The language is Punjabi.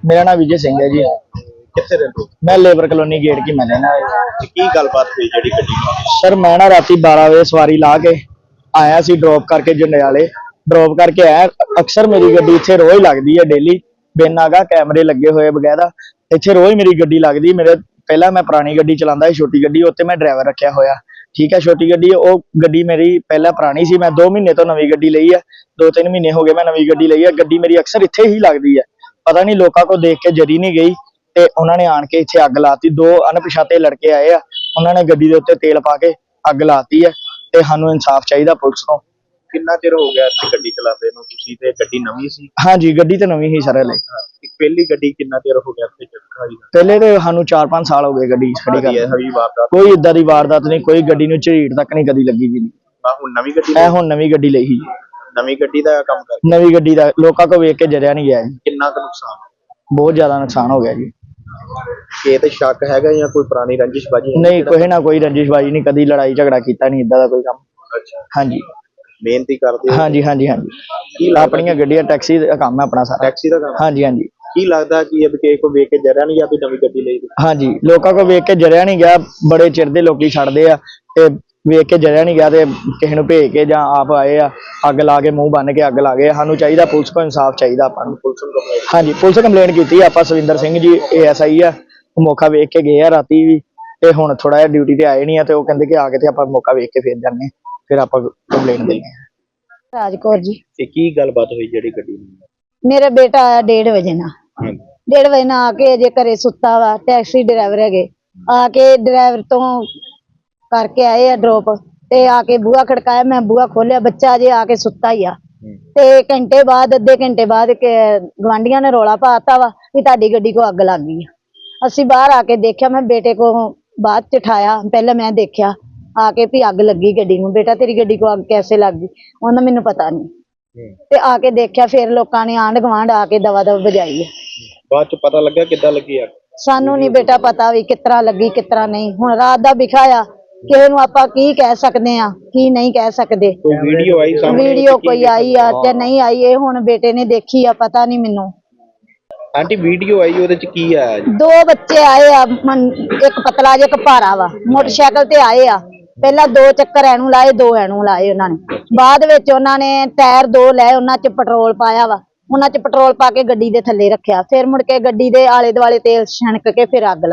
मेरा नाम विजय सिंह है जी। कितने रहते हो? मैं लेबर कॉलोनी गेट की मैं रहना की गलबात हुई जी गड्डी नाल? सर मैं ना राती 12 बजे सवारी ला के आया सी ड्रॉप करके जंडियाले ड्रॉप करके आया। अक्सर मेरी गड्डी इत्थे रोज लगदी है डेली बिन आगा कैमरे लगे हुए वगैरह इत्थे रोज मेरी गड्डी लगदी। मेरे पहला मैं पुरानी गड्डी चलांदा सी छोटी गड्डी उत्ते मैं ड्राइवर रखा होया ठीक है। छोटी गड्डी वो गड्डी मेरी पहला पुरानी सी मैं 2 महीने तो नवी गड्डी लई है 2-3 महीने हो गए मैं नवी गड्डी लई है। गड्डी मेरी अक्सर इत्थे ही लगदी है पता नहीं लोगों को देख के जरी नहीं गई ਤੇ ਉਹਨਾਂ ਨੇ ਆਣ ਕੇ ਇੱਥੇ ਅੱਗ ਲਾਤੀ। 2 ਅਣਪਛਾਤੇ ਲੜਕੇ ਆਏ ਆ ਉਹਨਾਂ ਨੇ ਗੱਡੀ ਦੇ ਉੱਤੇ ਤੇਲ ਪਾ ਕੇ ਅੱਗ ਲਾਤੀ ਹੈ ਤੇ ਸਾਨੂੰ ਇਨਸਾਫ ਚਾਹੀਦਾ ਪੁਲਿਸ ਤੋਂ। ਕਿੰਨਾ ਚਿਰ ਹੋ ਗਿਆ ਇੱਥੇ ਗੱਡੀ ਚਲਾਉਂਦੇ ਨੂੰ ਤੁਸੀਂ ਤੇ ਗੱਡੀ ਨਵੀਂ ਸੀ? ਹਾਂਜੀ ਗੱਡੀ ਤੇ ਨਵੀਂ ਹੀ ਸਰ ਹਲੇ। ਪਹਿਲੀ ਗੱਡੀ ਕਿੰਨਾ ਚਿਰ ਹੋ ਗਿਆ ਇੱਥੇ ਖੜੀ? ਪਹਿਲੇ ਤੇ ਸਾਨੂੰ 4-5 ਸਾਲ ਹੋ ਗਏ ਗੱਡੀ ਖੜੀ ਕਰਦੇ। ਹਵੀ ਵਾਰਦਾਤ ਕੋਈ ਇਦਾਂ ਦੀ ਵਾਰਦਾਤ ਨਹੀਂ ਕੋਈ ਗੱਡੀ ਨੂੰ ਝੀੜ ਤੱਕ ਨਹੀਂ ਕਦੀ ਲੱਗੀ ਜੀ। ਹੁਣ ਨਵੀਂ ਗੱਡੀ ਇਹ ਹੁਣ ਨਵੀਂ ਗੱਡੀ ਲਈ ਸੀ। ਨਵੀਂ ਗੱਡੀ ਦਾ ਕੰਮ ਕਰ ਨਵੀਂ ਗੱਡੀ ਦਾ ਲੋਕਾਂ ਕੋ ਵੇਖ ਕੇ ਜਰਿਆ ਨਹੀਂ ਗਿਆ ਜੀ। ਕਿੰਨਾ ਕੁ ਨੁਕਸਾਨ? ਬਹੁਤ ਜ਼ਿਆਦਾ ਨੁਕਸਾਨ ਹੋ ਗਿਆ ਜੀ। ਇਹ ਤੇ ਸ਼ੱਕ ਹੈਗਾ ਜਾਂ ਕੋਈ ਪੁਰਾਣੀ ਰੰਜਿਸ਼ਬਾਜੀ? ਨਹੀਂ ਕੋਈ ਨਾ ਕੋਈ ਰੰਜਿਸ਼ਬਾਜੀ ਨਹੀਂ ਕਦੀ ਲੜਾਈ ਝਗੜਾ ਕੀਤਾ ਨਹੀਂ ਇਦਾਂ ਦਾ ਕੋਈ ਕੰਮ। ਅੱਛਾ ਹਾਂਜੀ ਮਿਹਨਤੀ ਕਰਦੇ ਹੋ? ਹਾਂਜੀ ਹਾਂਜੀ ਹਾਂਜੀ ਕੀ ਆਪਣੀਆਂ ਗੱਡੀਆਂ ਟੈਕਸੀ ਦਾ ਕੰਮ ਹੈ ਆਪਣਾ ਸਾਰਾ। ਟੈਕਸੀ ਦਾ ਕੰਮ? ਹਾਂਜੀ ਹਾਂਜੀ ਕੀ ਲੱਗਦਾ ਕਿ ਇਹ ਕਿਸੇ ਕੋ ਵੇਖ ਕੇ ਜਰਿਆ ਨਹੀਂ ਜਾਂ ਵੀ ਨਵੀਂ ਗੱਡੀ ਲਈ? ਹਾਂਜੀ ਲੋਕਾਂ ਕੋ ਵੇਖ ਕੇ ਜਰਿਆ ਨਹੀਂ ਗਿਆ। ਬੜੇ ਚਿਰ ਦੇ ਲੋਕੀ ਛੱਡਦੇ ਆ ਤੇ ਵੇਖ ਕੇ ਜਰਿਆ ਨਹੀਂ ਗਿਆ ਤੇ ਕਿਸੇ ਨੂੰ ਭੇਜ ਕੇ ਜਾਂ ਆਪ ਆਏ ਆ ਅੱਗ ਲਾ ਕੇ ਮੂੰਹ ਬੰਨ ਕੇ ਅੱਗ ਲਾ ਗਏ। ਸਾਨੂੰ ਚਾਹੀਦਾ ਪੁਲਿਸ ਕੋ ਇਨਸਾਫ ਚਾਹੀਦਾ ਆਪਾਂ ਨੂੰ। ਪੁਲਿਸ ਨੂੰ ਕੰਪਲੇਂਟ? ਹਾਂਜੀ ਪੁਲਿਸ ਕੰਪਲੇਂਟ ਕੀਤੀ ਆਪਾਂ ਸਵਿੰਦਰ ਸਿੰਘ ਜੀ ASI ਆ ਉਹ ਮੌਕਾ ਵੇਖ ਕੇ ਗਏ ਆ ਰਾਤੀ ਵੀ ਤੇ ਹੁਣ ਥੋੜਾ ਜਿਹਾ ਡਿਊਟੀ ਤੇ ਆਏ ਨਹੀਂ ਆ ਤੇ ਉਹ ਕਹਿੰਦੇ ਕਿ ਆ ਕੇ ਤੇ ਆਪਾਂ ਮੌਕਾ ਵੇਖ ਕੇ ਫੇਰ ਜਾਂਦੇ ਫਿਰ ਆਪਾਂ ਕੰਪਲੇਂਟ ਦਿੰਦੇ ਆ। ਰਾਜਕੌਰ ਜੀ। ਤੇ ਕੀ ਗੱਲਬਾਤ ਹੋਈ ਜਿਹੜੀ ਗੱਡੀ ਨੂੰ? ਮੇਰਾ ਬੇਟਾ ਆਇਆ 1:30 ਵਜੇ ਨਾਲ 1:30 ਵਜੇ ਨਾਲ ਆ ਕੇ ਅਜੇ ਘਰੇ ਸੁੱਤਾ ਵਾ। ਟੈਕਸੀ ਡਰਾਈਵਰ ਹੈਗੇ ਆ ਕੇ ਡਰਾਈਵਰ ਤੋਂ ਕਰਕੇ ਆਏ ਆ ਡ੍ਰੌਪ ਤੇ ਆ ਕੇ ਬੂਹਾ ਖੜਕਾਇਆ ਮੈਂ ਬੂਹਾ ਖੋਲਿਆ ਬੱਚਾ ਅਜੇ ਆ ਕੇ ਸੁੱਤਾ ਹੀ ਆ ਤੇ ਘੰਟੇ ਬਾਅਦ ਅੱਧੇ ਘੰਟੇ ਬਾਅਦ ਗਵਾਂਢੀਆਂ ਨੇ ਰੌਲਾ ਪਾਤਾ ਵਾ ਵੀ ਤੁਹਾਡੀ ਗੱਡੀ ਕੋ ਅੱਗ ਲੱਗ ਗਈ ਆ। ਅਸੀਂ ਬਾਹਰ ਆ ਕੇ ਦੇਖਿਆ ਮੈਂ ਬੇਟੇ ਕੋ ਬਾਅਦ ਚ ਉਠਾਇਆ ਪਹਿਲਾਂ ਮੈਂ ਦੇਖਿਆ ਆ ਕੇ ਵੀ ਅੱਗ ਲੱਗੀ ਗੱਡੀ ਨੂੰ। ਬੇਟਾ ਤੇਰੀ ਗੱਡੀ ਕੋ ਅੱਗ कैसे ਲੱਗ गई? ਉਹਨਾਂ ਮੈਨੂੰ ਪਤਾ ਨਹੀਂ ਤੇ ਆ ਕੇ ਦੇਖਿਆ ਫਿਰ ਲੋਕਾਂ ਨੇ ਆਂਢ ਗੁਆਂਢ ਆ ਕੇ ਦਵਾ ਦਵ ਵਜਾਈ ਹੈ। ਬਾਅਦ ਚ ਪਤਾ ਲੱਗਾ ਕਿੱਦਾਂ ਲੱਗੀ ਅੱਗ? ਸਾਨੂੰ ਨਹੀਂ ਬੇਟਾ ਪਤਾ ਵੀ ਕਿਤਰਾ ਲੱਗੀ ਕਿਤਰਾ ਨਹੀਂ। ਹੁਣ ਰਾਤ ਦਾ ਵਿਖਾਇਆ ਕਿਸੇ ਨੂੰ ਆਪਾਂ ਕੀ ਕਹਿ ਸਕਦੇ ਆ ਕੀ ਨਹੀਂ ਕਹਿ ਸਕਦੇ। ਕੋਈ ਵੀਡੀਓ ਆਈ ਸਾਹਮਣੇ? ਵੀਡੀਓ ਕੋਈ ਆਈ ਆ ਤੇ ਨਹੀਂ ਆਈ ਇਹ ਹੁਣ ਬੇਟੇ ਨੇ ਦੇਖੀ ਆ ਪਤਾ ਨਹੀਂ ਮੈਨੂੰ। ਆਂਟੀ ਵੀਡੀਓ ਆਈ ਉਹਦੇ ਚ ਕੀ ਆਇਆ ਜੀ? 2 ਬੱਚੇ ਆਏ ਆ ਇੱਕ ਪਤਲਾ ਜਿਹਾ ਇੱਕ ਭਾਰਾ ਵਾ ਮੋਟਰਸਾਈਕਲ ਤੇ ਆਏ ਆ। ਪਹਿਲਾਂ 2 ਚੱਕਰ ਐਨੂੰ ਲਾਏ 2 ਐਨੂੰ ਲਾਏ ਉਹਨਾਂ ਨੇ। ਬਾਅਦ ਵਿੱਚ ਉਹਨਾਂ ਨੇ ਟਾਇਰ 2 ਲਏ ਉਹਨਾਂ ਚ ਪੈਟਰੋਲ ਪਾਇਆ ਵਾ ਉਹਨਾਂ ਚ ਪੈਟਰੋਲ ਪਾ ਕੇ ਗੱਡੀ ਦੇ ਥੱਲੇ ਰੱਖਿਆ ਫਿਰ ਮੁੜ ਕੇ ਗੱਡੀ ਦੇ ਆਲੇ ਦੁਆਲੇ ਤੇਲ ਛਣਕ ਕੇ ਫਿਰ ਅੱਗ